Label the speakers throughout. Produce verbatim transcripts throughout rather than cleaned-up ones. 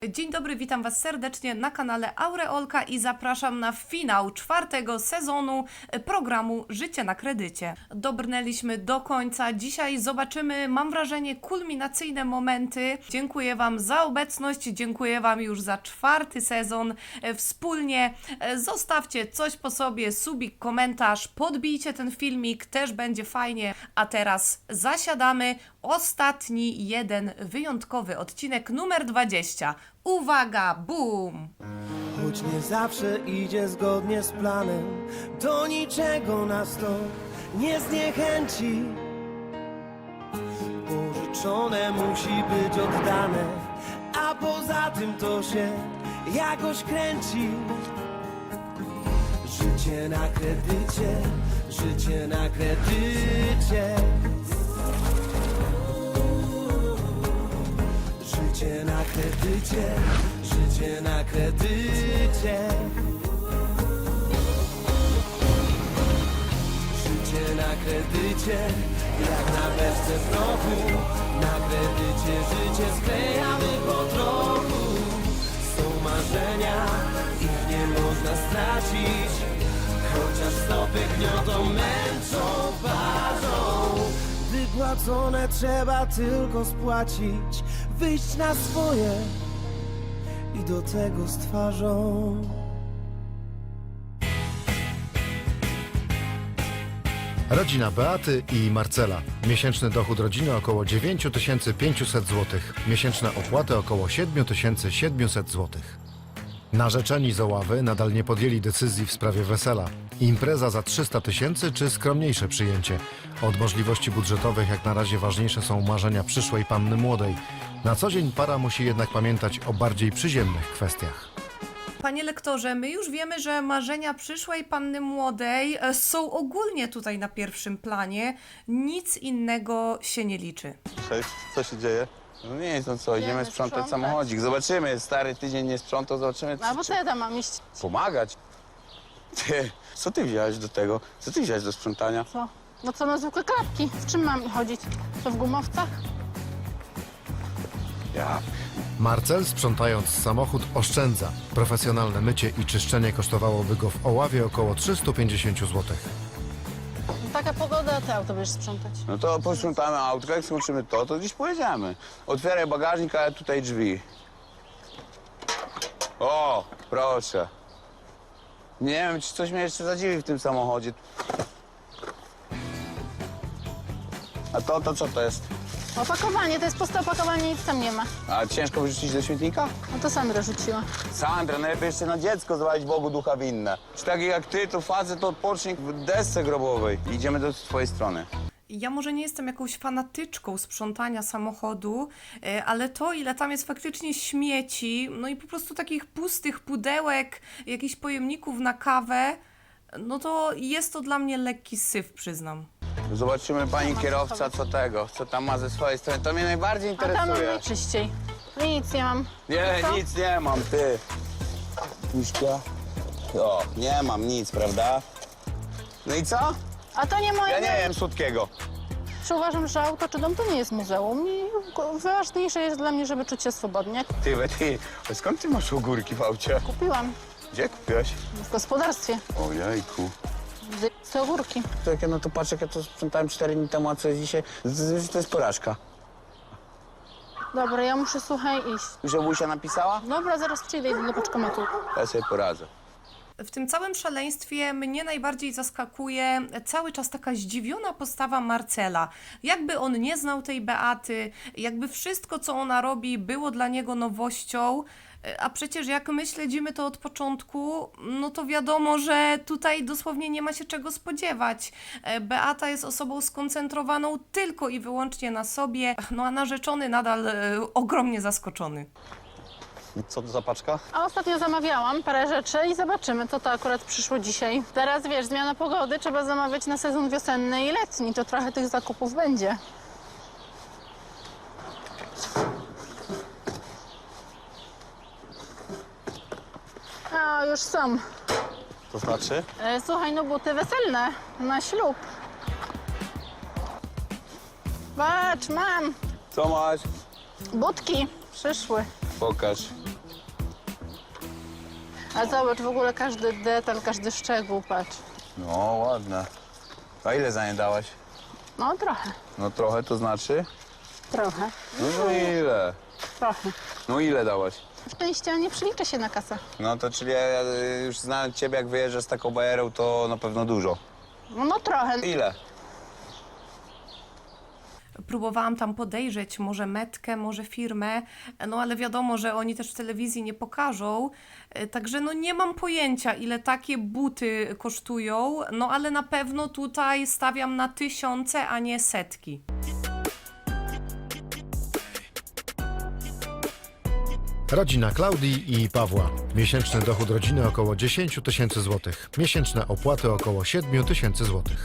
Speaker 1: Dzień dobry, witam Was serdecznie na kanale Aureolka i zapraszam na finał czwartego sezonu programu Życie na kredycie. Dobrnęliśmy do końca. Dzisiaj zobaczymy, mam wrażenie, kulminacyjne momenty. Dziękuję Wam za obecność, dziękuję Wam już za czwarty sezon. Wspólnie zostawcie coś po sobie, subik, komentarz, podbijcie ten filmik, też będzie fajnie. A teraz zasiadamy. Ostatni, jeden wyjątkowy odcinek numer dwadzieścia. Uwaga, boom!
Speaker 2: Choć nie zawsze idzie zgodnie z planem, do niczego nas to nie zniechęci. Pożyczone musi być oddane, a poza tym to się jakoś kręci. Życie na kredycie, życie na kredycie. Życie na kredycie, życie na kredycie. Życie na kredycie, jak na beczce prochu. Na kredycie życie sklejamy po trochu. Są marzenia, ich nie można stracić, chociaż stopy gniotą, męczą, parzą. Wypłacone trzeba tylko spłacić, wyjść na swoje i do tego z twarzą.
Speaker 3: Rodzina Beaty i Marcela. Miesięczny dochód rodziny około dziewięć tysięcy pięćset złotych. Miesięczne opłaty około siedem tysięcy siedemset złotych. Narzeczeni z Oławy nadal nie podjęli decyzji w sprawie wesela. Impreza za trzysta tysięcy czy skromniejsze przyjęcie? Od możliwości budżetowych jak na razie ważniejsze są marzenia przyszłej panny młodej. Na co dzień para musi jednak pamiętać o bardziej przyziemnych kwestiach.
Speaker 1: Panie lektorze, my już wiemy, że marzenia przyszłej panny młodej e, są ogólnie tutaj na pierwszym planie. Nic innego się nie liczy.
Speaker 4: Cześć, co się dzieje? No nic, no co, idziemy
Speaker 5: Idziemy
Speaker 4: sprzątać
Speaker 5: sprzątać.
Speaker 4: samochodzik. Zobaczymy, stary tydzień nie sprzątał, zobaczymy,
Speaker 5: A bo
Speaker 4: czy,
Speaker 5: co ja tam mam iść?
Speaker 4: pomagać. Ty, co ty wziąłeś do tego? Co ty wziąłeś do sprzątania?
Speaker 5: Co? No co, na zwykłe klapki. W czym mam chodzić? To w gumowcach?
Speaker 4: Ja,
Speaker 3: Marcel, sprzątając samochód, oszczędza. Profesjonalne mycie i czyszczenie kosztowałoby go w Oławie około trzysta pięćdziesiąt złotych.
Speaker 5: No, taka pogoda, a ty auto będziesz sprzątać.
Speaker 4: no to posprzątamy autko, jak skończymy to, to gdzieś pojedziemy. Otwieraj bagażnik, a tutaj drzwi. O, proszę. Nie wiem, czy coś mnie jeszcze zadziwi w tym samochodzie. A to, to co to jest?
Speaker 5: Opakowanie, to jest puste opakowanie, nic tam nie ma.
Speaker 4: A ciężko wyrzucić do śmietnika?
Speaker 5: No to Sandra rzuciła.
Speaker 4: Sandra, najlepiej jeszcze na dziecko zwalić Bogu ducha winne. Czy taki jak ty, to facet to odpocznik w desce grobowej. Idziemy do twojej strony.
Speaker 1: Ja może nie jestem jakąś fanatyczką sprzątania samochodu, e, ale to, ile tam jest faktycznie śmieci, no i po prostu takich pustych pudełek, jakichś pojemników na kawę, no to jest to dla mnie lekki syf, przyznam.
Speaker 4: Zobaczymy pani kierowca, co tego, co tam ma ze swojej strony. To mnie najbardziej
Speaker 5: A tam mam
Speaker 4: interesuje.
Speaker 5: najczyściej. Nic nie mam.
Speaker 4: Nie,
Speaker 5: Co?
Speaker 4: nic nie mam, ty. Miśka? O, nie mam nic, prawda? No i co?
Speaker 5: A to nie moje.
Speaker 4: Ja nie wiem słodkiego.
Speaker 5: Czy uważam, że auto czy dom to nie jest muzeum i ważniejsze jest dla mnie, żeby czuć się swobodnie.
Speaker 4: Ty, we, ty, a skąd ty masz ogórki w aucie?
Speaker 5: Kupiłam
Speaker 4: Gdzie kupiłeś?
Speaker 5: w gospodarstwie.
Speaker 4: Ojejku.
Speaker 5: Te ogórki.
Speaker 4: To jak ja na to patrzę, jak ja to sprzątałem cztery dni temu, a co jest dzisiaj? To, to jest porażka.
Speaker 5: Dobra, ja muszę, słuchaj, iść.
Speaker 4: Już Ewusia napisała?
Speaker 5: Dobra, zaraz przyjdę i do paczkomatu.
Speaker 4: Ja sobie poradzę.
Speaker 1: W tym całym szaleństwie mnie najbardziej zaskakuje cały czas taka zdziwiona postawa Marcela. Jakby on nie znał tej Beaty, jakby wszystko, co ona robi, było dla niego nowością, a przecież jak my śledzimy to od początku, no to wiadomo, że tutaj dosłownie nie ma się czego spodziewać. Beata jest osobą skoncentrowaną tylko i wyłącznie na sobie, no a narzeczony nadal e, ogromnie zaskoczony.
Speaker 6: Co to za paczka?
Speaker 5: A ostatnio zamawiałam parę rzeczy i zobaczymy, co to akurat przyszło dzisiaj. Teraz wiesz, zmiana pogody, trzeba zamawiać na sezon wiosenny i letni, to trochę tych zakupów będzie. A, już są.
Speaker 6: To znaczy?
Speaker 5: E, słuchaj, no buty weselne na ślub. Patrz, mam
Speaker 4: Co masz?
Speaker 5: budki, przyszły.
Speaker 4: Pokaż.
Speaker 5: A zobacz, w ogóle każdy detal, każdy szczegół, patrz.
Speaker 4: No, ładne. A ile za nie dałaś?
Speaker 5: No trochę,
Speaker 4: No trochę to znaczy?
Speaker 5: trochę,
Speaker 4: No, no ile?
Speaker 5: trochę.
Speaker 4: No ile dałaś?
Speaker 5: Szczęście nie przeliczę się na kasę.
Speaker 4: No to czyli ja y, już znając ciebie, jak wyjeżdżasz z taką bajerą, to na pewno dużo.
Speaker 5: No trochę.
Speaker 4: Ile?
Speaker 1: Próbowałam tam podejrzeć może metkę, może firmę, no ale wiadomo, że oni też w telewizji nie pokażą, e, także no nie mam pojęcia, ile takie buty kosztują, no ale na pewno tutaj stawiam na tysiące, a nie setki.
Speaker 3: Rodzina Klaudii i Pawła. Miesięczny dochód rodziny około dziesięć tysięcy złotych. Miesięczne opłaty około siedem tysięcy złotych.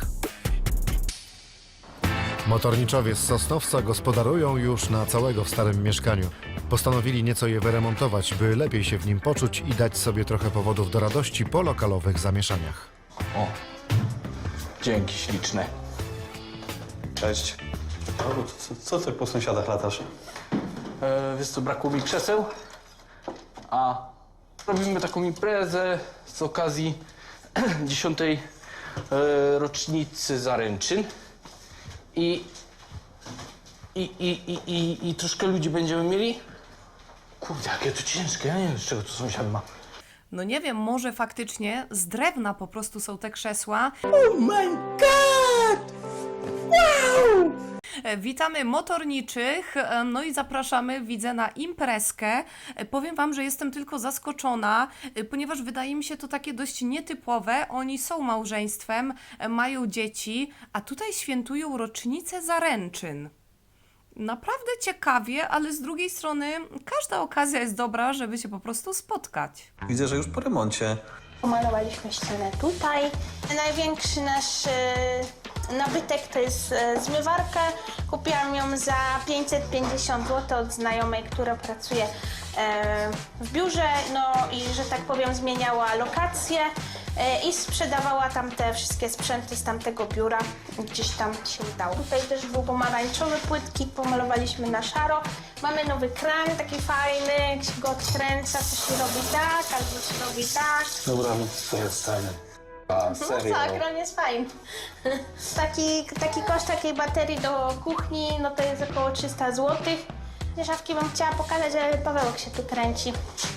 Speaker 3: Motorniczowie z Sosnowca gospodarują już na całego w starym mieszkaniu. Postanowili nieco je wyremontować, by lepiej się w nim poczuć i dać sobie trochę powodów do radości po lokalowych zamieszaniach.
Speaker 7: O, dzięki śliczne.
Speaker 6: Cześć. O, co, co ty po sąsiadach latasz?
Speaker 7: E, wiesz co, brakło mi krzeseł, a robimy taką imprezę z okazji dziesiątej e, rocznicy zaręczyn i, i, i, i, i, i troszkę ludzi będziemy mieli. Kurde, jakie to ciężkie, ja nie wiem, z czego to sąsiad ma.
Speaker 1: No nie wiem, może faktycznie z drewna po prostu są te krzesła. E, Witamy motorniczych, e, no i zapraszamy, widzę, na imprezkę. E, Powiem wam, że jestem tylko zaskoczona, e, ponieważ wydaje mi się to takie dość nietypowe. Oni są małżeństwem, e, mają dzieci, a tutaj świętują rocznicę zaręczyn. Naprawdę ciekawie, ale z drugiej strony każda okazja jest dobra, żeby się po prostu spotkać.
Speaker 6: Widzę, że już po remoncie.
Speaker 8: Pomalowaliśmy ścianę tutaj. Największy nasz e, nabytek to jest e, zmywarka. Kupiłam ją za pięćset pięćdziesiąt złotych od znajomej, która pracuje e, w biurze, no i że tak powiem zmieniała lokację e, i sprzedawała tam te wszystkie sprzęty z tamtego biura. Gdzieś tam się udało. Tutaj też był pomarańczowy płytki, pomalowaliśmy na szaro. Mamy nowy kran, taki fajny, jak się go odkręca, to się robi tak, albo się robi tak.
Speaker 6: Dobra, no co jest stanie? A, serio?
Speaker 8: No tak, on jest fajny. Taki, taki koszt takiej baterii do kuchni, no to jest około trzysta złotych. Te szafki bym chciała pokazać, ale Pawełek się tu kręci.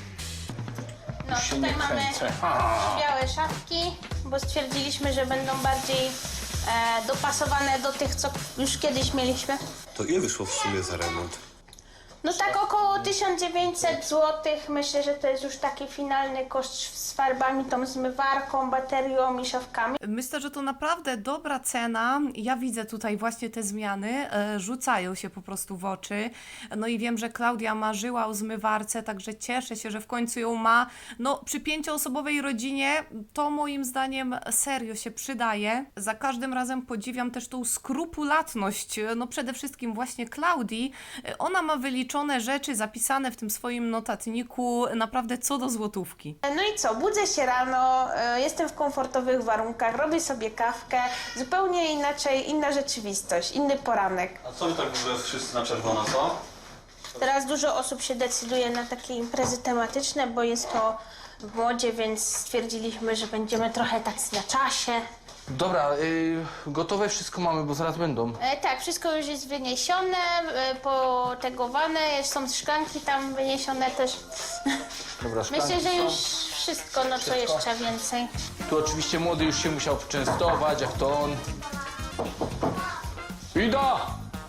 Speaker 8: No
Speaker 7: Się
Speaker 8: tutaj
Speaker 7: nie
Speaker 8: mamy
Speaker 7: kręcę.
Speaker 8: białe szafki, bo stwierdziliśmy, że będą bardziej e, dopasowane do tych, co już kiedyś mieliśmy.
Speaker 6: To ile wyszło w sumie za remont?
Speaker 8: No tak około tysiąc dziewięćset złotych. Myślę, że to jest już taki finalny koszt z farbami, tą zmywarką, baterią i szafkami.
Speaker 1: Myślę, że to naprawdę dobra cena. Ja widzę tutaj właśnie te zmiany, e, rzucają się po prostu w oczy. No i wiem, że Klaudia marzyła o zmywarce, także cieszę się, że w końcu ją ma. No przy pięcioosobowej rodzinie to moim zdaniem serio się przydaje. Za każdym razem podziwiam też tą skrupulatność, no przede wszystkim właśnie Klaudii. Ona ma wyliczone rzeczy zapisane w tym swoim notatniku naprawdę co do złotówki.
Speaker 8: No i co, budzę się rano, e, jestem w komfortowych warunkach, robię sobie kawkę, zupełnie inaczej, inna rzeczywistość, inny poranek.
Speaker 6: A co wy tak w ogóle wszyscy na czerwono, co?
Speaker 8: Teraz dużo osób się decyduje na takie imprezy tematyczne, bo jest to w modzie, więc stwierdziliśmy, że będziemy trochę tak na czasie.
Speaker 7: Dobra, y, gotowe wszystko mamy, bo zaraz będą.
Speaker 8: E, tak, wszystko już jest wyniesione, e, potegowane, są szklanki tam wyniesione też.
Speaker 7: Dobra,
Speaker 8: Myślę,
Speaker 7: szklanki
Speaker 8: że
Speaker 7: są.
Speaker 8: już wszystko, no co jeszcze więcej.
Speaker 7: Tu oczywiście młody już się musiał poczęstować, jak to on. Ida!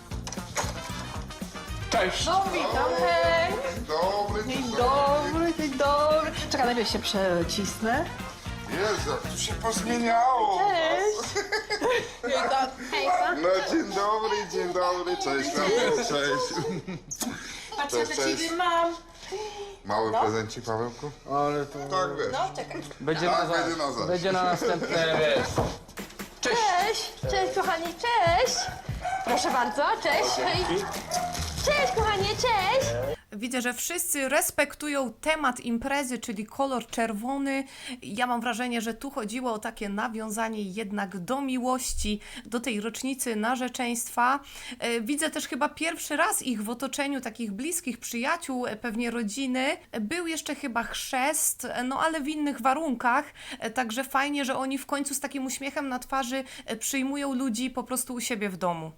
Speaker 7: Cześć!
Speaker 5: No witam, hej! Dzień dobry, dzień dobry. Czekaj, najpierw się przecisnę.
Speaker 9: Jezu, tu się pozmieniało.
Speaker 5: Cześć!
Speaker 8: Hejka.
Speaker 9: No dzień dobry, dzień dobry, cześć, Paweł, cześć.
Speaker 8: Patrz,
Speaker 9: Cześć,
Speaker 8: co
Speaker 9: cześć.
Speaker 8: ciebie mam.
Speaker 9: Mały prezencik, Pawełku?
Speaker 7: Ale to...
Speaker 9: Tak, wiesz.
Speaker 8: No, czekaj.
Speaker 7: Będzie,
Speaker 9: Tak,
Speaker 7: na, za...
Speaker 9: będzie na zaś.
Speaker 7: będzie na następne, wiesz. Cześć!
Speaker 8: Cześć, cześć kochani, cześć. Proszę bardzo, cześć. Hej. Cześć kochanie, cześć.
Speaker 1: Widzę, że wszyscy respektują temat imprezy, czyli kolor czerwony. Ja mam wrażenie, że tu chodziło o takie nawiązanie jednak do miłości, do tej rocznicy narzeczeństwa. E, Widzę też chyba pierwszy raz ich w otoczeniu takich bliskich przyjaciół, e, pewnie rodziny. Był jeszcze chyba chrzest, e, no ale w innych warunkach. E, Także fajnie, że oni w końcu z takim uśmiechem na twarzy e, przyjmują ludzi po prostu u siebie w domu.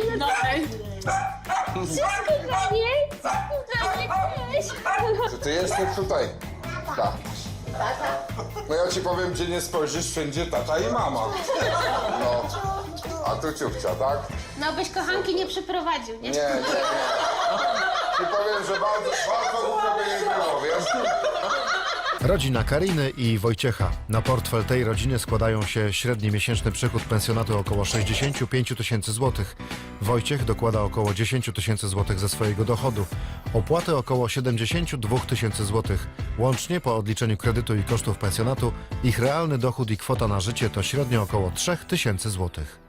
Speaker 9: Czy ty jesteś tutaj? Tak. No ja ci powiem, gdzie nie spojrzysz, wszędzie tata i mama. No, a tu ciupcia, tak?
Speaker 8: No byś kochanki nie przyprowadził, nie?
Speaker 9: Nie, nie, nie. Ci powiem, że bardzo, bardzo głupio by nie było, wiesz?
Speaker 3: Rodzina Kariny i Wojciecha. Na portfel tej rodziny składają się średni miesięczny przychód pensjonatu około sześćdziesiąt pięć tysięcy złotych. Wojciech dokłada około dziesięć tysięcy złotych ze swojego dochodu. Opłaty około siedemdziesiąt dwa tysiące złotych. Łącznie po odliczeniu kredytu i kosztów pensjonatu ich realny dochód i kwota na życie to średnio około trzy tysiące złotych.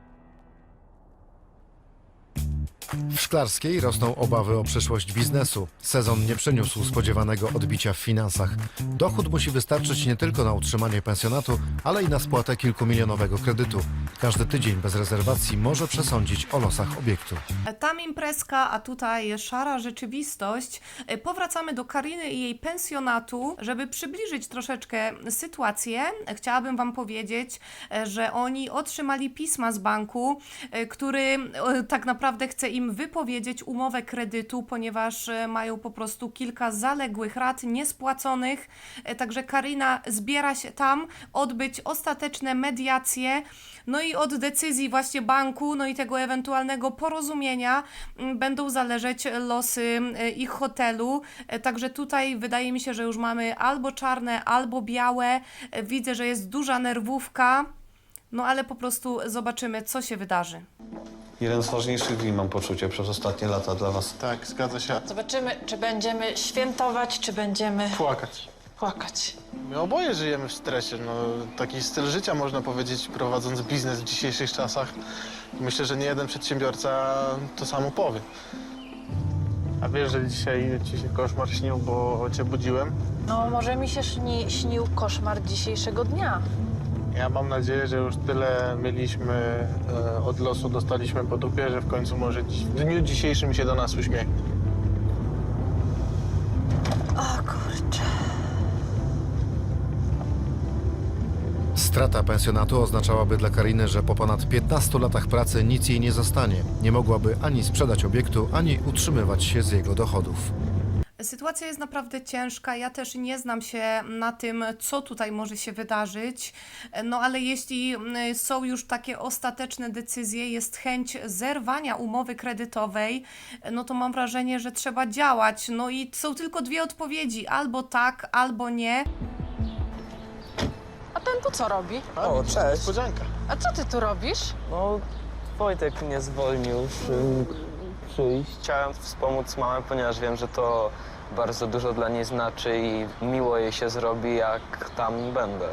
Speaker 3: W Szklarskiej rosną obawy o przyszłość biznesu. Sezon nie przyniósł spodziewanego odbicia w finansach. Dochód musi wystarczyć nie tylko na utrzymanie pensjonatu, ale i na spłatę kilkumilionowego kredytu. Każdy tydzień bez rezerwacji może przesądzić o losach obiektu.
Speaker 1: Tam imprezka, a tutaj szara rzeczywistość. Powracamy do Kariny i jej pensjonatu, żeby przybliżyć troszeczkę sytuację. Chciałabym Wam powiedzieć, że oni otrzymali pisma z banku, który tak naprawdę chce im wypowiedzieć umowę kredytu, ponieważ mają po prostu kilka zaległych rat niespłaconych. Także Karina zbiera się tam odbyć ostateczne mediacje, no i od decyzji właśnie banku, no i tego ewentualnego porozumienia będą zależeć losy ich hotelu. Także tutaj wydaje mi się, że już mamy albo czarne, albo białe. Widzę, że jest duża nerwówka, no ale po prostu zobaczymy, co się wydarzy.
Speaker 6: Jeden z ważniejszych dni, mam poczucie, przez ostatnie lata dla was.
Speaker 10: Tak, zgadza się.
Speaker 11: Zobaczymy, czy będziemy świętować, czy będziemy
Speaker 10: Płakać.
Speaker 11: płakać.
Speaker 10: My oboje żyjemy w stresie. No, taki styl życia, można powiedzieć, prowadząc biznes w dzisiejszych czasach. Myślę, że nie jeden przedsiębiorca to samo powie. A wiesz, że dzisiaj ci się koszmar śnił, bo cię budziłem?
Speaker 11: No, może mi się śni, śnił koszmar dzisiejszego dnia.
Speaker 10: Ja mam nadzieję, że już tyle mieliśmy e, od losu, dostaliśmy po dupie, że w końcu może dziś, w dniu dzisiejszym się do nas uśmiechnie.
Speaker 11: O kurczę.
Speaker 3: Strata pensjonatu oznaczałaby dla Kariny, że po ponad piętnastu latach pracy nic jej nie zostanie. Nie mogłaby ani sprzedać obiektu, ani utrzymywać się z jego dochodów.
Speaker 1: Sytuacja jest naprawdę ciężka. Ja też nie znam się na tym, co tutaj może się wydarzyć. No ale jeśli są już takie ostateczne decyzje, jest chęć zerwania umowy kredytowej, no to mam wrażenie, że trzeba działać. No i są tylko dwie odpowiedzi, albo tak, albo nie.
Speaker 11: A ten tu co robi?
Speaker 10: O, cześć. Niespodzianka.
Speaker 11: A co ty tu robisz?
Speaker 12: No, Wojtek mnie zwolnił przy, przyjść. Chciałem wspomóc mamę, ponieważ wiem, że to bardzo dużo dla niej znaczy i miło jej się zrobi, jak tam będę.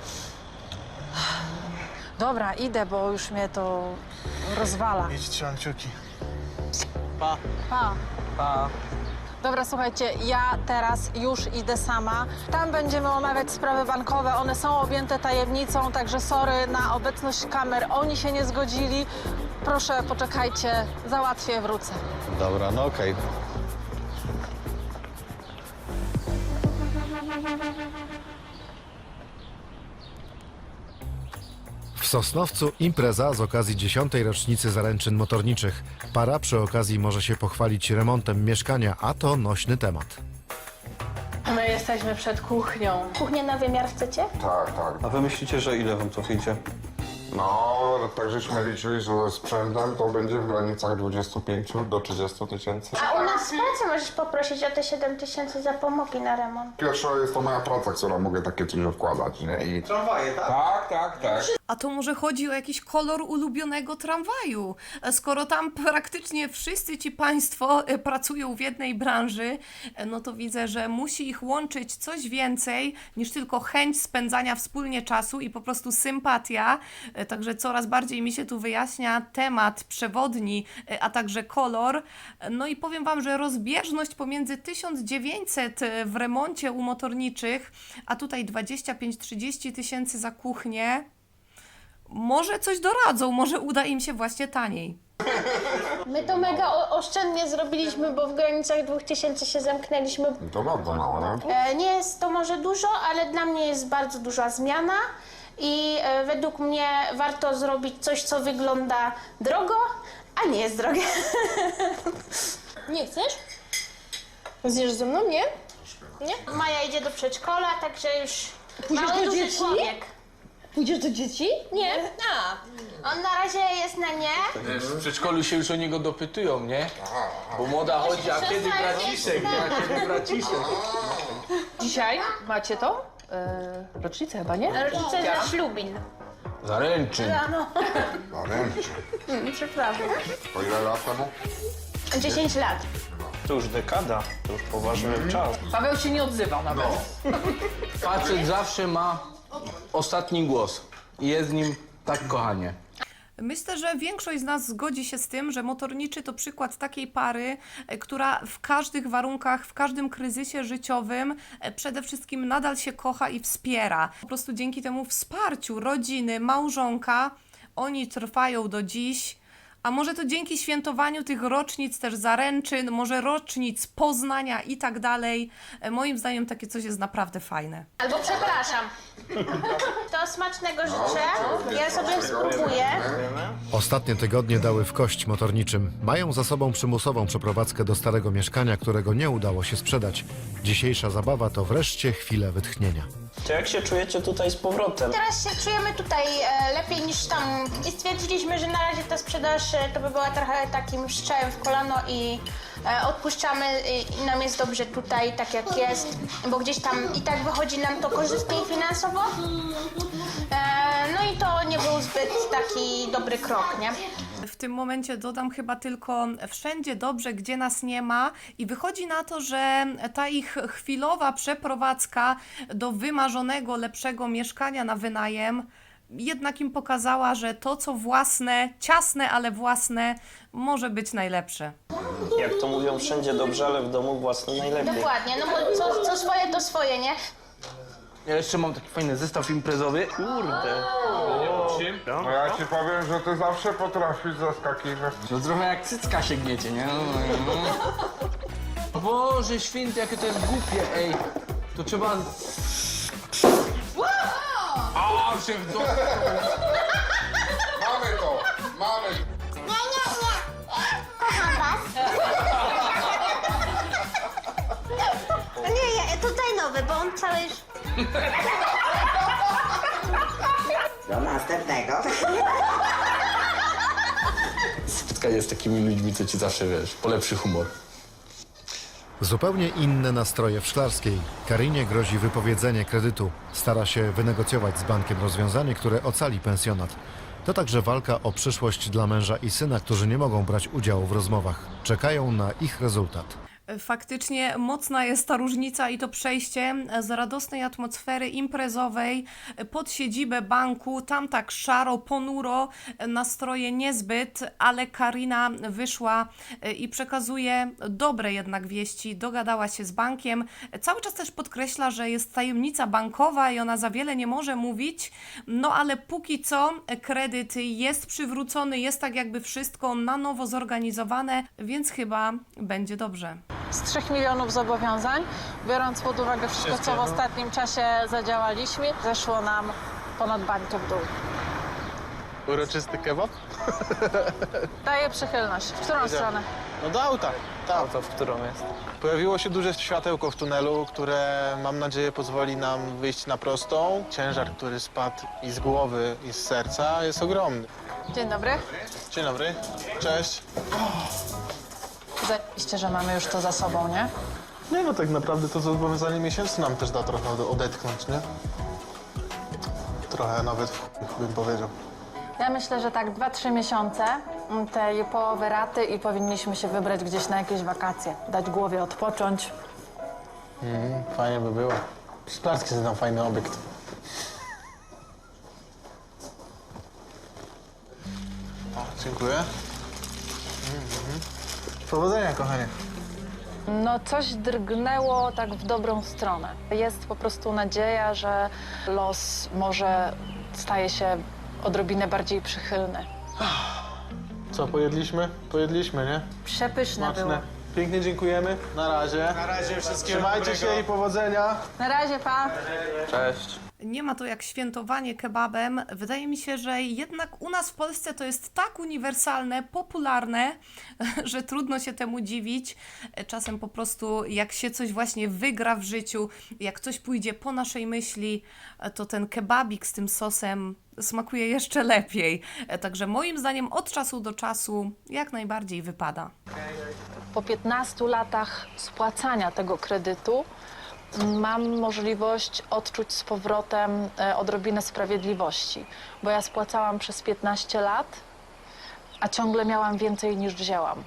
Speaker 11: Dobra, idę, bo już mnie to rozwala.
Speaker 10: Idź, trzymam kciuki. Pa.
Speaker 11: Pa.
Speaker 12: Pa.
Speaker 11: Dobra, słuchajcie, ja teraz już idę sama. Tam będziemy omawiać sprawy bankowe. One są objęte tajemnicą, także sorry na obecność kamer. Oni się nie zgodzili. Proszę, poczekajcie, załatwię, wrócę.
Speaker 6: Dobra, no okej.
Speaker 3: W Sosnowcu impreza z okazji dziesiątej rocznicy zaręczyn motorniczych. Para przy okazji może się pochwalić remontem mieszkania, a to nośny temat.
Speaker 5: My jesteśmy przed kuchnią.
Speaker 8: Kuchnię na wymiar chcecie?
Speaker 9: Tak, tak.
Speaker 6: A wy myślicie, że ile wam to wyjdzie?
Speaker 9: No, tak żeśmy liczyli, że ze sprzętem to będzie w granicach dwudziestu pięciu do trzydziestu tysięcy.
Speaker 8: A u nas w pracy możesz poprosić o te siedem tysięcy za pomogi na remont.
Speaker 9: Pierwsza jest to moja praca, która mogę takie coś odkładać, nie? I...
Speaker 6: Tramwaje, tak?
Speaker 9: Tak, tak, tak.
Speaker 1: A to może chodzi o jakiś kolor ulubionego tramwaju? Skoro tam praktycznie wszyscy ci państwo e, pracują w jednej branży, e, no to widzę, że musi ich łączyć coś więcej niż tylko chęć spędzania wspólnie czasu i po prostu sympatia. E, Także coraz bardziej mi się tu wyjaśnia temat przewodni, e, a także kolor. E, No i powiem wam, że rozbieżność pomiędzy tysiąc dziewięćset w remoncie u motorniczych, a tutaj dwadzieścia pięć trzydzieści tysięcy za kuchnię, może coś doradzą, może uda im się właśnie taniej.
Speaker 8: My to mega o- oszczędnie zrobiliśmy, bo w granicach dwóch tysięcy się zamknęliśmy.
Speaker 9: To bardzo mało, no.
Speaker 8: E, Nie jest to może dużo, ale dla mnie jest bardzo duża zmiana i e, według mnie warto zrobić coś, co wygląda drogo, a nie jest drogie. Nie chcesz? Zjesz ze mną, nie? Nie? Maja idzie do przedszkola, także już
Speaker 11: Pójdziesz
Speaker 8: mały,
Speaker 11: do
Speaker 8: duży
Speaker 11: dzieci?
Speaker 8: człowiek.
Speaker 11: Pójdziesz do dzieci?
Speaker 8: Nie. A. On na razie jest na nie.
Speaker 7: Wiesz, w przedszkolu się już o niego dopytują, nie? Bo młoda chodzi, a kiedy braciszek, nie? A kiedy braciszek?
Speaker 11: Dzisiaj macie to? Yy, rocznicę chyba, nie?
Speaker 8: Rodzice za ślubin.
Speaker 7: Zaręczyn.
Speaker 9: Na ręce.
Speaker 8: Przepraszam.
Speaker 9: Po ile lat temu?
Speaker 8: dziesięć lat.
Speaker 12: To już dekada, to już poważny czas.
Speaker 11: Paweł się nie odzywał nawet.
Speaker 7: Facet zawsze ma ostatni głos i jest z nim tak kochanie.
Speaker 1: Myślę, że większość z nas zgodzi się z tym, że motorniczy to przykład takiej pary, e, która w każdych warunkach, w każdym kryzysie życiowym e, przede wszystkim nadal się kocha i wspiera. Po prostu dzięki temu wsparciu rodziny, małżonka, oni trwają do dziś. A może to dzięki świętowaniu tych rocznic też zaręczyn, może rocznic Poznania i tak dalej. E, Moim zdaniem takie coś jest naprawdę fajne.
Speaker 8: Albo przepraszam. To smacznego życzę. Ja sobie spróbuję.
Speaker 3: Ostatnie tygodnie dały w kość motorniczym. Mają za sobą przymusową przeprowadzkę do starego mieszkania, którego nie udało się sprzedać. Dzisiejsza zabawa to wreszcie chwilę wytchnienia.
Speaker 12: To jak się czujecie tutaj z powrotem?
Speaker 8: Teraz się czujemy tutaj e, lepiej niż tam i stwierdziliśmy, że na razie ta sprzedaż e, to by była trochę takim strzałem w kolano i e, odpuszczamy i, i nam jest dobrze tutaj, tak jak jest, bo gdzieś tam i tak wychodzi nam to korzystniej finansowo. E, no i to nie był zbyt taki dobry krok, nie?
Speaker 1: W tym momencie dodam chyba tylko wszędzie dobrze, gdzie nas nie ma i wychodzi na to, że ta ich chwilowa przeprowadzka do wymarzonego, lepszego mieszkania na wynajem jednak im pokazała, że to co własne, ciasne, ale własne, może być najlepsze.
Speaker 12: Jak to mówią, wszędzie dobrze, ale w domu własny najlepiej.
Speaker 8: Dokładnie, no bo co, co swoje to swoje, nie?
Speaker 7: Ja jeszcze mam taki fajny zestaw imprezowy. Kurde.
Speaker 9: No ja ci powiem, że ty zawsze potrafisz zaskakiwać.
Speaker 7: No trochę jak cycka sięgniecie, nie? Boże święty, jakie to jest głupie, ej. To trzeba... A, się w domu.
Speaker 9: Mamy to, mamy.
Speaker 8: Nie, nie, tutaj nowy, bo on cały już...
Speaker 13: Do następnego.
Speaker 7: Spotkanie z takimi ludźmi, co ci zawsze, wiesz, polepszy humor.
Speaker 3: Zupełnie inne nastroje w Szklarskiej. Karinie grozi wypowiedzenie kredytu. Stara się wynegocjować z bankiem rozwiązanie, które ocali pensjonat. To także walka o przyszłość dla męża i syna, którzy nie mogą brać udziału w rozmowach. Czekają na ich rezultat.
Speaker 1: Faktycznie mocna jest ta różnica i to przejście z radosnej atmosfery imprezowej pod siedzibę banku. Tam tak szaro, ponuro, nastroje niezbyt, ale Karina wyszła i przekazuje dobre jednak wieści. Dogadała się z bankiem. Cały czas też podkreśla, że jest tajemnica bankowa i ona za wiele nie może mówić. No ale póki co kredyt jest przywrócony, jest tak jakby wszystko na nowo zorganizowane, więc chyba będzie dobrze.
Speaker 11: Z trzech milionów zobowiązań, biorąc pod uwagę wszystko, co w ostatnim czasie zadziałaliśmy, zeszło nam ponad bańkę w dół.
Speaker 10: Uroczysty kebab?
Speaker 11: Daję przychylność. W którą stronę?
Speaker 10: No do auta. Tam.
Speaker 12: To w którą jest?
Speaker 10: Pojawiło się duże światełko w tunelu, które mam nadzieję pozwoli nam wyjść na prostą. Ciężar, który spadł i z głowy, i z serca jest ogromny.
Speaker 11: Dzień dobry.
Speaker 10: Dzień dobry. Cześć.
Speaker 11: Zajebiście, że mamy już to za sobą, nie?
Speaker 10: Nie no, tak naprawdę to zobowiązanie miesięcy nam też da trochę odetchnąć, nie? trochę nawet w chuj, bym powiedział.
Speaker 11: Ja myślę, że tak dwa trzy miesiące tej połowy raty i powinniśmy się wybrać gdzieś na jakieś wakacje. Dać głowie odpocząć.
Speaker 10: Mhm, fajnie by było. Szklarski jest tam fajny obiekt. O, dziękuję. Mhm. Powodzenia, kochanie.
Speaker 11: No coś drgnęło tak w dobrą stronę. Jest po prostu nadzieja, że los może staje się odrobinę bardziej przychylny.
Speaker 10: Co, pojedliśmy? Pojedliśmy, nie?
Speaker 11: Przepyszne było.
Speaker 10: Smaczne. Pięknie dziękujemy. Na razie. Na razie wszystkiego Trzymajcie się i powodzenia.
Speaker 11: Na razie, pa!
Speaker 12: Cześć.
Speaker 1: Nie ma to jak świętowanie kebabem. Wydaje mi się, że jednak u nas w Polsce to jest tak uniwersalne, popularne, że trudno się temu dziwić. Czasem po prostu jak się coś właśnie wygra w życiu, jak coś pójdzie po naszej myśli, to ten kebabik z tym sosem smakuje jeszcze lepiej. Także moim zdaniem od czasu do czasu jak najbardziej wypada.
Speaker 11: Po piętnastu latach spłacania tego kredytu mam możliwość odczuć z powrotem e, odrobinę sprawiedliwości, bo ja spłacałam przez piętnaście lat, a ciągle miałam więcej niż wzięłam.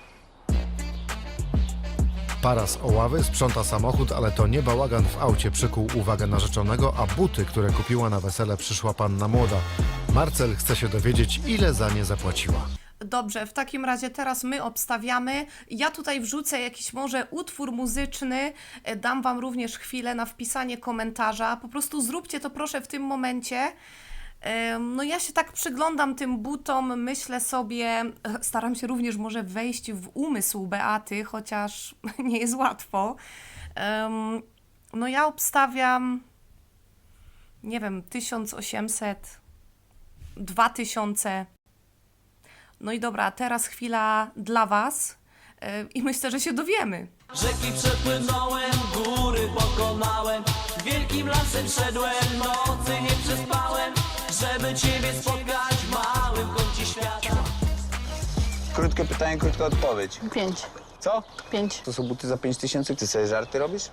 Speaker 3: Para z Oławy sprząta samochód, ale to nie bałagan w aucie przykuł uwagę narzeczonego, a buty, które kupiła na wesele, przyszła panna młoda. Marcel chce się dowiedzieć, ile za nie zapłaciła.
Speaker 1: Dobrze, w takim razie teraz my obstawiamy. Ja tutaj wrzucę jakiś może utwór muzyczny, e, dam Wam również chwilę na wpisanie komentarza. Po prostu zróbcie to proszę w tym momencie. E, No ja się tak przyglądam tym butom, myślę sobie, e, staram się również może wejść w umysł Beaty, chociaż nie jest łatwo. Em, No ja obstawiam, nie wiem, tysiąc osiemset, dwa tysiące. No i dobra, teraz chwila dla Was yy, i myślę, że się dowiemy.
Speaker 2: Rzeki przepłynąłem, góry pokonałem, wielkim lasem szedłem, nocy nie przespałem, żeby Ciebie spotkać w małym kącie świata.
Speaker 4: Krótkie pytanie, krótka odpowiedź.
Speaker 5: Pięć.
Speaker 4: Co?
Speaker 5: Pięć.
Speaker 4: To są buty za pięć tysięcy? Ty sobie żarty robisz?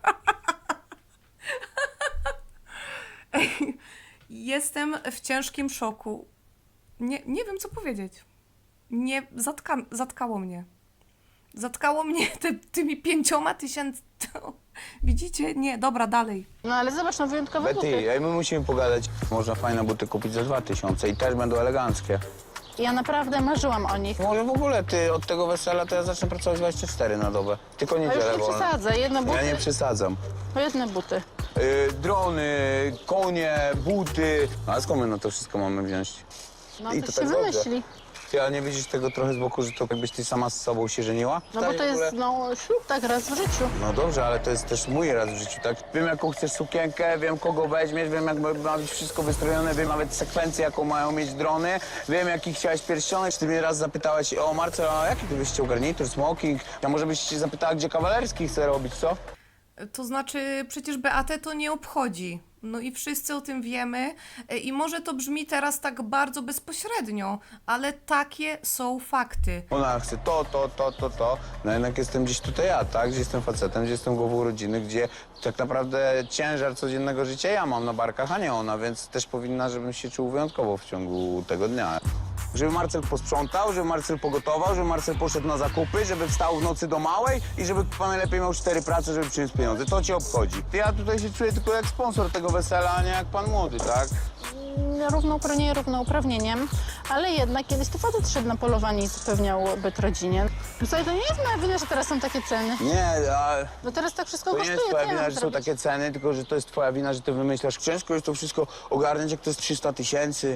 Speaker 1: Jestem w ciężkim szoku. Nie, nie wiem, co powiedzieć. Nie, zatka, zatkało mnie. Zatkało mnie te, tymi pięcioma tysięcy... Widzicie? Nie, dobra, dalej.
Speaker 5: No ale zobacz, no wyjątkowe buty.
Speaker 4: Betty, ej, my musimy pogadać. Można fajne buty kupić za dwa tysiące i też będą eleganckie.
Speaker 5: Ja naprawdę marzyłam o nich.
Speaker 4: Może w ogóle ty od tego wesela to ja zacznę pracować dwadzieścia cztery na dobę. Tylko
Speaker 5: A już
Speaker 4: niedzielę
Speaker 5: nie
Speaker 4: wolne.
Speaker 5: przesadzę, jedne buty,
Speaker 4: Ja nie przesadzam.
Speaker 5: to jedne buty.
Speaker 4: Yy, drony, konie, buty. No, a skąd my na to wszystko mamy wziąć?
Speaker 5: No
Speaker 4: I
Speaker 5: to
Speaker 4: to
Speaker 5: się
Speaker 4: tak dobrze.
Speaker 5: wymyśli.
Speaker 4: Ty, ale nie widzisz tego trochę z boku, że to jakbyś ty sama z sobą się żeniła?
Speaker 5: No bo
Speaker 4: Tak,
Speaker 5: to
Speaker 4: w
Speaker 5: jest,
Speaker 4: ogóle?
Speaker 5: no, ślub tak raz w życiu.
Speaker 4: No dobrze, ale to jest też mój raz w życiu, tak? Wiem, jaką chcesz sukienkę, wiem, kogo weźmiesz, wiem, jak ma ma być wszystko wystrojone, wiem nawet sekwencję, jaką mają mieć drony, wiem, jaki chciałaś pierścionek. Ty mnie raz zapytałaś, o Marcel, a jaki ty byś chciał garnitur, smoking? A może byś się zapytała, gdzie kawalerski chce robić, co?
Speaker 1: To znaczy, przecież Beatę to nie obchodzi. No i wszyscy o tym wiemy. E, I może to brzmi teraz tak bardzo bezpośrednio, ale takie są fakty.
Speaker 4: Ona chce to, to, to, to, to. No jednak jestem gdzieś tutaj ja, tak? Gdzie jestem facetem, gdzie jestem głową rodziny, gdzie tak naprawdę ciężar codziennego życia ja mam na barkach, a nie ona, więc też powinna, żebym się czuł wyjątkowo w ciągu tego dnia. Żeby Marcel posprzątał, żeby Marcel pogotował, żeby Marcel poszedł na zakupy, żeby wstał w nocy do małej i żeby pan najlepiej miał cztery prace, żeby przyjąć pieniądze. To cię obchodzi. Ja tutaj się czuję tylko jak sponsor tego wesela, a nie jak pan młody, tak?
Speaker 5: Równouprawnienie równouprawnieniem, ale jednak kiedyś to facet szedł na polowanie i zapewniał byt rodzinie. Słuchaj, to nie jest moja wina, że teraz są takie ceny.
Speaker 4: Nie, a
Speaker 5: No teraz tak wszystko
Speaker 4: to nie
Speaker 5: kosztuje,
Speaker 4: jest twoja
Speaker 5: co ja
Speaker 4: wina,
Speaker 5: mam
Speaker 4: że są
Speaker 5: zrobić?
Speaker 4: takie ceny, tylko że to jest twoja wina, że ty wymyślasz. Ciężko jest to wszystko ogarnąć, jak to jest trzysta tysięcy.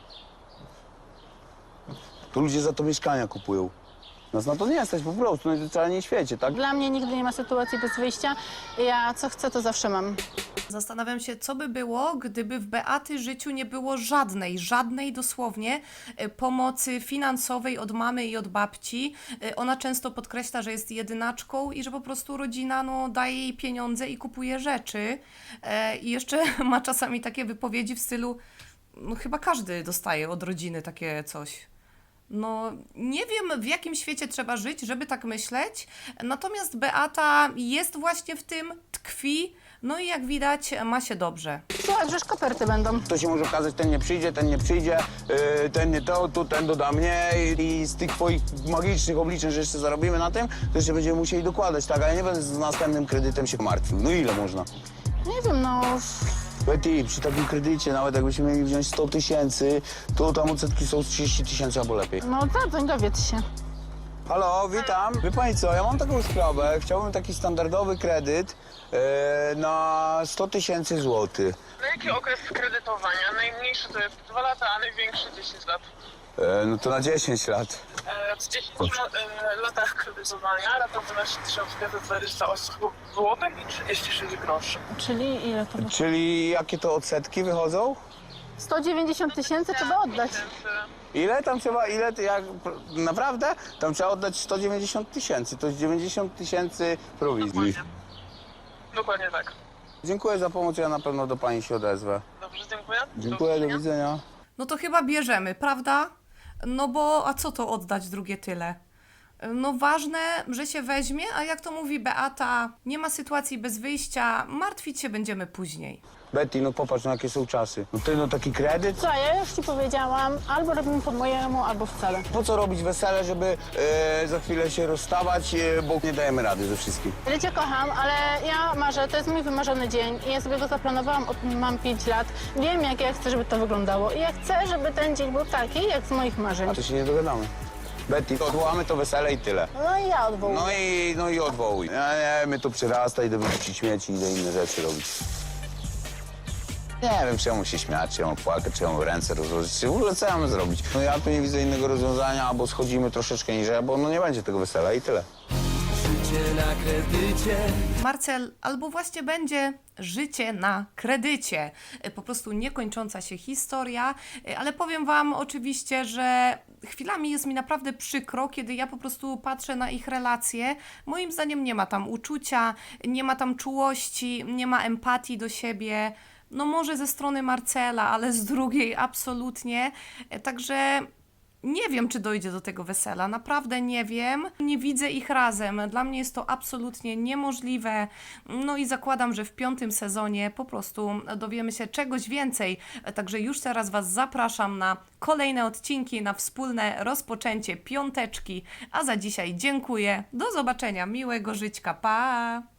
Speaker 4: To ludzie za to mieszkania kupują. Nas na to nie stać po prostu, na totalnie świecie, tak?
Speaker 5: Dla mnie nigdy nie ma sytuacji bez wyjścia. Ja co chcę, to zawsze mam.
Speaker 1: Zastanawiam się, co by było, gdyby w Beaty życiu nie było żadnej, żadnej dosłownie e, pomocy finansowej od mamy i od babci. E, Ona często podkreśla, że jest jedynaczką i że po prostu rodzina no, daje jej pieniądze i kupuje rzeczy. E, I jeszcze ma czasami takie wypowiedzi w stylu, no chyba każdy dostaje od rodziny takie coś. No, nie wiem, w jakim świecie trzeba żyć, żeby tak myśleć, natomiast Beata jest właśnie w tym, tkwi, no i jak widać, ma się dobrze.
Speaker 5: Słuchaj, że koperty będą.
Speaker 4: To się może okazać, ten nie przyjdzie, ten nie przyjdzie, yy, ten nie to, tu ten doda mnie i, i z tych twoich magicznych obliczeń, że jeszcze zarobimy na tym, to jeszcze będziemy musieli dokładać, tak? Ale nie będę z następnym kredytem się martwił. No ile można?
Speaker 5: Nie wiem, no...
Speaker 4: Betty, przy takim kredycie, nawet jakbyśmy mieli wziąć sto tysięcy, to tam odsetki są trzydzieści tysięcy albo lepiej.
Speaker 5: No zadzwoń, dowiedz się.
Speaker 4: Halo, witam. Wie pani co, ja mam taką sprawę. Chciałbym taki standardowy kredyt e, na sto tysięcy złotych.
Speaker 14: Na jaki okres kredytowania? Najmniejszy to jest dwa lata, a największy dziesięć lat.
Speaker 4: E, no to na dziesięć lat.
Speaker 14: E, w dziesięciu e, latach kredytowania rata wynosi tysiąc pięćset dwadzieścia osiem złotych i trzydzieści sześć groszy.
Speaker 5: Czyli ile to było?
Speaker 4: Czyli jakie to odsetki wychodzą?
Speaker 5: sto dziewięćdziesiąt tysięcy trzeba oddać.
Speaker 4: Ile tam trzeba, ile, to jak, naprawdę? Tam trzeba oddać sto dziewięćdziesiąt tysięcy, to jest dziewięćdziesiąt tysięcy prowizji.
Speaker 14: Dokładnie. Dokładnie tak.
Speaker 4: Dziękuję za pomoc, ja na pewno do pani się odezwę.
Speaker 14: Dobrze, dziękuję.
Speaker 4: Dziękuję, do widzenia.
Speaker 1: No to chyba bierzemy, prawda? No bo, a co to oddać drugie tyle? No ważne, że się weźmie, a jak to mówi Beata, nie ma sytuacji bez wyjścia, martwić się będziemy później.
Speaker 4: Betty, no popatrz, no jakie są czasy. No ty, no taki kredyt?
Speaker 5: Co, ja już ci powiedziałam, albo robimy po mojemu, albo wcale.
Speaker 4: Po co robić wesele, żeby e, za chwilę się rozstawać, e, bo nie dajemy rady ze wszystkim.
Speaker 5: Ja cię kocham, ale ja marzę, to jest mój wymarzony dzień i ja sobie go zaplanowałam, od, mam pięć lat. Wiem, jak ja chcę, żeby to wyglądało i ja chcę, żeby ten dzień był taki, jak z moich marzeń.
Speaker 4: A to się nie dogadamy. Betty, odwołamy to wesele i tyle.
Speaker 5: No i ja odwołuję.
Speaker 4: No i, no i odwołuj. Nie, nie, mnie to przyrasta, idę wyrzucić śmieci, idę inne rzeczy robić. Nie wiem, czemu się śmiać, czemu płakać, czemu ręce rozłożyć, czy w ogóle co ja mam zrobić. No ja tu nie widzę innego rozwiązania, albo schodzimy troszeczkę niżej, albo no nie będzie tego wesela i tyle.
Speaker 2: Życie na kredycie.
Speaker 1: Marcel, albo właśnie będzie życie na kredycie. Po prostu niekończąca się historia, ale powiem wam oczywiście, że chwilami jest mi naprawdę przykro, kiedy ja po prostu patrzę na ich relacje. Moim zdaniem nie ma tam uczucia, nie ma tam czułości, nie ma empatii do siebie. No może ze strony Marcela, ale z drugiej absolutnie. Także nie wiem, czy dojdzie do tego wesela. Naprawdę nie wiem. Nie widzę ich razem. Dla mnie jest to absolutnie niemożliwe. No i zakładam, że w piątym sezonie po prostu dowiemy się czegoś więcej. Także już teraz Was zapraszam na kolejne odcinki, na wspólne rozpoczęcie piąteczki. A za dzisiaj dziękuję. Do zobaczenia. Miłego żyćka. Pa!